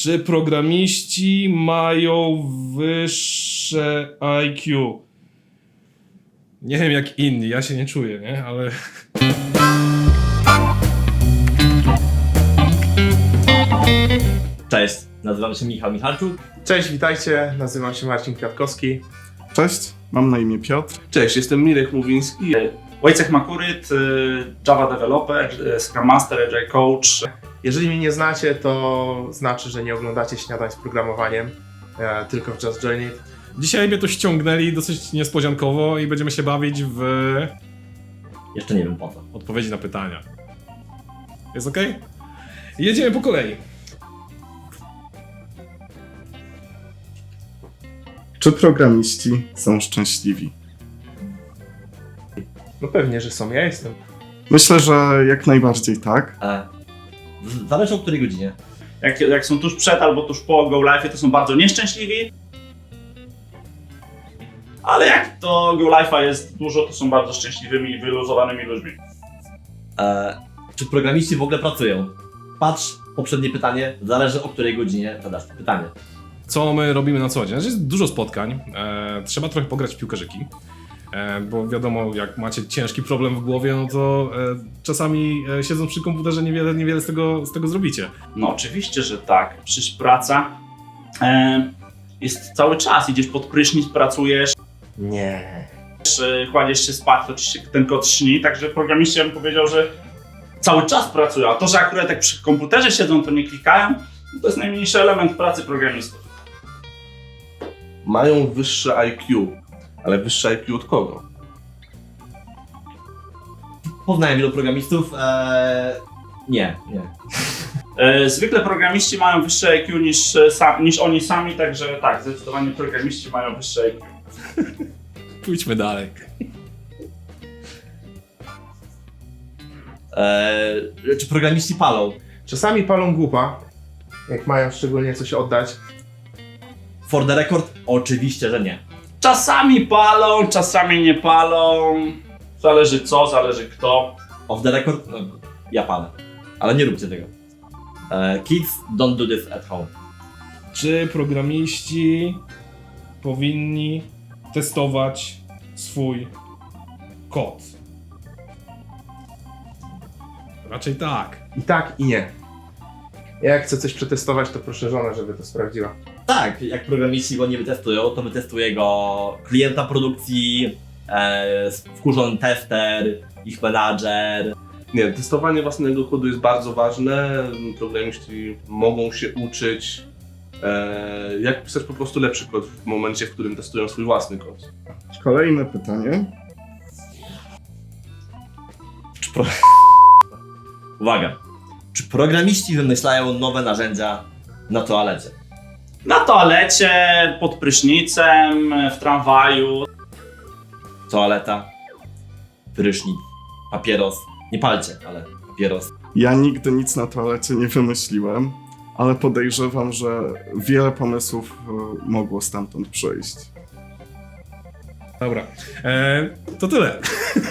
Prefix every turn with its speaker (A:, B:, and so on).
A: Czy programiści mają wyższe IQ? Nie wiem jak inni, ja się nie czuję, nie? Ale...
B: Cześć, nazywam się Michał Michalczuk.
C: Cześć, witajcie, nazywam się Marcin Kwiatkowski.
D: Cześć, mam na imię Piotr.
E: Cześć, jestem Mirek Mówiński.
F: Wojciech Makuryt, Java Developer, Scrum Master, Agile Coach.
C: Jeżeli mnie nie znacie, to znaczy, że nie oglądacie śniadań z programowaniem, tylko w Just Join It.
A: Dzisiaj mnie tu ściągnęli dosyć niespodziankowo i będziemy się bawić w
B: Jeszcze nie wiem po co.
A: odpowiedzi na pytania. Jest ok? Jedziemy po kolei.
D: Czy programiści są szczęśliwi?
C: No pewnie, że są, ja jestem.
D: Myślę, że jak najbardziej tak.
B: Zależy o której godzinie.
F: Jak są tuż przed albo tuż po Go Live'ie, to są bardzo nieszczęśliwi. Ale jak to Go Live'a jest dużo, to są bardzo szczęśliwymi i wyluzowanymi ludźmi.
B: Czy programiści w ogóle pracują? Patrz, poprzednie pytanie, zależy o której godzinie zadasz to pytanie.
A: Co my robimy na co dzień? Znaczy jest dużo spotkań, trzeba trochę pograć w piłkarzyki, bo wiadomo, jak macie ciężki problem w głowie, no to czasami siedząc przy komputerze niewiele z tego zrobicie.
F: No oczywiście, że tak. Przecież praca jest cały czas. Idziesz pod prysznic, pracujesz,
C: Nie.
F: kładziesz się spać, to ci się ten kod śni. Także programiści, ja bym powiedział, że cały czas pracują. A to, że akurat jak przy komputerze siedzą, to nie klikają, to jest najmniejszy element pracy programistów.
E: Mają wyższe IQ, ale wyższe IQ od kogo?
B: Poznałem wielu programistów. Nie.
F: Zwykle programiści mają wyższe IQ niż oni sami, także tak, zdecydowanie programiści mają wyższe IQ.
A: Pójdźmy dalej.
B: Czy programiści palą?
C: Czasami palą głupa, jak mają szczególnie coś oddać.
B: For the record, oczywiście, że nie.
F: Czasami palą, czasami nie palą. Zależy co, zależy kto.
B: Off the record, no, ja palę. Ale nie róbcie tego. Kids, don't do this at home.
A: Czy programiści powinni testować swój kod? Raczej tak.
C: I tak, i nie. Ja jak chcę coś przetestować, to proszę żonę, żeby to sprawdziła.
B: Tak, jak programiści go nie wytestują, to wytestuje go klienta produkcji, wkurzony tester, ich menadżer.
E: Nie, testowanie własnego kodu jest bardzo ważne. Programiści mogą się uczyć, jak pisać po prostu lepszy kod w momencie, w którym testują swój własny kod.
D: Kolejne pytanie.
B: Uwaga! Czy programiści wymyślają nowe narzędzia na toalecie?
F: Na toalecie, pod prysznicem, w tramwaju.
B: Toaleta, prysznic, papieros. Nie palcie, ale papieros.
D: Ja nigdy nic na toalecie nie wymyśliłem, ale podejrzewam, że wiele pomysłów mogło stamtąd przyjść.
A: Dobra, to tyle.